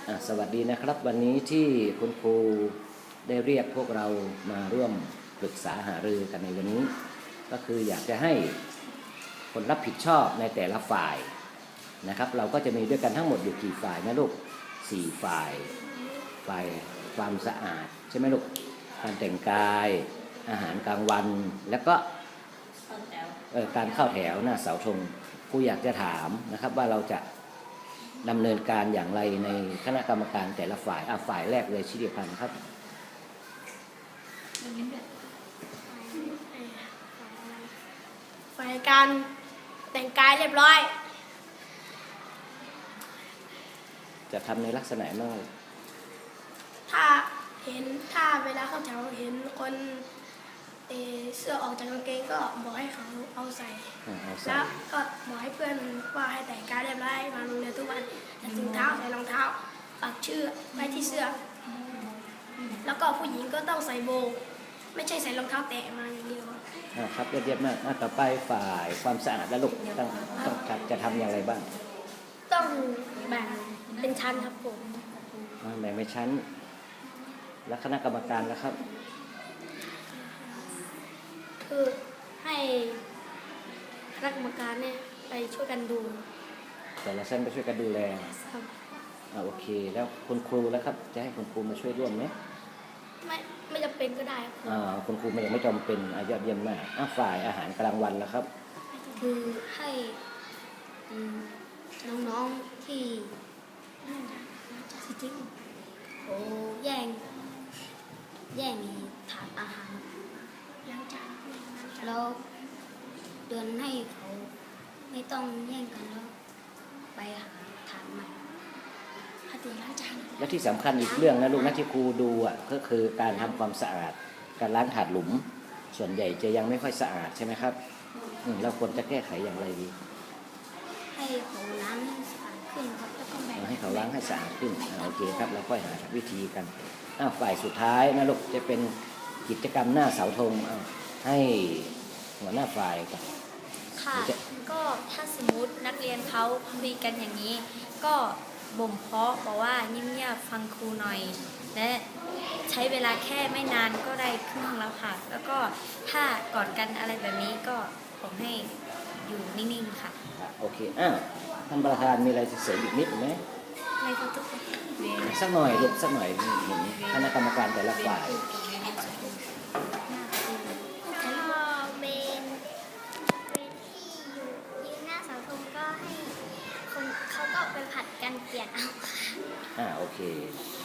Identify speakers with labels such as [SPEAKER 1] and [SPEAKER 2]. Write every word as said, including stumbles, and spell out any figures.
[SPEAKER 1] อ่ะสวัสดีนะครับวันนี้ที่คุณครูได้เรียกพวกเรามาร่วมปรึกษาหารือกันในวันนี้ก็คืออยากจะให้คนรับผิดชอบในแต่ละฝ่ายนะครับเราก็จะมีด้วยกันทั้งหมดอยู่กี่ฝ่ายนะลูกสี่ฝ่ายฝ่ายความสะอาดใช่ไหมลูกการแต่งกายอาหารกลางวันแล้วก็การเข้าแถวหน้าเสาธงครูอยากจะถามนะครับว่าเราจะดำเนินการอย่างไรในคณะกรรมการแต่ละฝ่ายอ่ะฝ่ายแรกเลยชิริพันธ์ครับ
[SPEAKER 2] ฝ่ายการแต่งกายเรียบร้อย
[SPEAKER 1] จะทำในลักษณะมั่ง
[SPEAKER 2] ถ้าเห็นถ้าเวลาเข้าแถวเห็นคนเอเสื้อออกจากกางเกงก็บอกให้เขาเอาใส่แล้วก็บอกให้เพื่อนว่าให้แต่งกายเรียบร้อยมาโรงเรียนทุกวันใส่ถุงเท้าใส่รองเท้าปักชื่อไว้ที่เสื้อแล้วก็ผู้หญิงก็ต้องใส่โบว์ไม่ใช่ใส่รองเท้าแตะมาอย่างเดียว
[SPEAKER 1] ครับเรียบๆมากต่อไปฝ่ายความสะอาดและลูกต้องต้องจะทำอย่างไรบ้าง
[SPEAKER 2] ต้องแบ่งเป็นชั้นครับผม
[SPEAKER 1] แบ่งเป็นชั้นและคณะกรรมการนะครับ
[SPEAKER 2] คือให้คณะกรรมการเนี่ยไปช่วยกันดู
[SPEAKER 1] แต่ละชั้นไปช่วยกันดูแล
[SPEAKER 2] ครับ
[SPEAKER 1] อ่าโอเคแล้วคุณครูแล้วครับจะให้คุณครูมาช่วยร่วมไหม
[SPEAKER 2] ไม่ไม่จำเป็นก็ได้ครับ
[SPEAKER 1] อ่าคุณครูไม่ไม่จำเป็นยอดเยี่ยมมากอ่ะฝ่ายอาหารกลางวันแล้วครับ
[SPEAKER 2] คือให้น้องๆที่จริงโอ้แย่งแย่งถาดอาหารแล้วเดือนให้เขาไม่ต้องแย่งกันแล้วไปหาถาดใหม่ถ้าตีล้างจาน
[SPEAKER 1] และที่สำคัญอีกเรื่องนะลูกนะที่ครูดูอ่ะก็คือการทำความสะอาดการล้างถาดหลุมส่วนใหญ่จะยังไม่ค่อยสะอาดใช่ไหมครับเราควรจะแก้ไขอย่างไรดี
[SPEAKER 2] ให้เขาล้างให้สะอาดขึ้นครับแล้วก็แบ่ง
[SPEAKER 1] ให้เขาล้างให้สะอาดขึ้นโอเคครับเราค่อยหาวิธีกันอ้าวฝ่ายสุดท้ายนะลูกจะเป็นกิจกรรมหน้าเสาธงให้หัวหน้าฝ่ายกับ
[SPEAKER 3] ค่ะก็ถ้าสมมตินักเรียนเขาคุยกันอย่างนี้ก็บ่มเพาะบอกว่าเงียบๆฟังครูหน่อยและใช้เวลาแค่ไม่นานก็ได้ครึ่งแล้วค่ะแล้วก็ถ้ากอดกันอะไรแบบนี้ก็ผมให้อยู่นิ่งๆค่ะ
[SPEAKER 1] โอเคอ่ะท่านประธานมีอะไรจะเสริมอีกนิดไหม
[SPEAKER 3] ไม่ก็ทุกคน
[SPEAKER 1] สักหน่อยลูกสักหน่อยเห็นคณะกรรมการแต่ละฝ่าย
[SPEAKER 4] เขาก็ไปผัดกันเปลี่ยนเอา
[SPEAKER 1] อ่าโอเค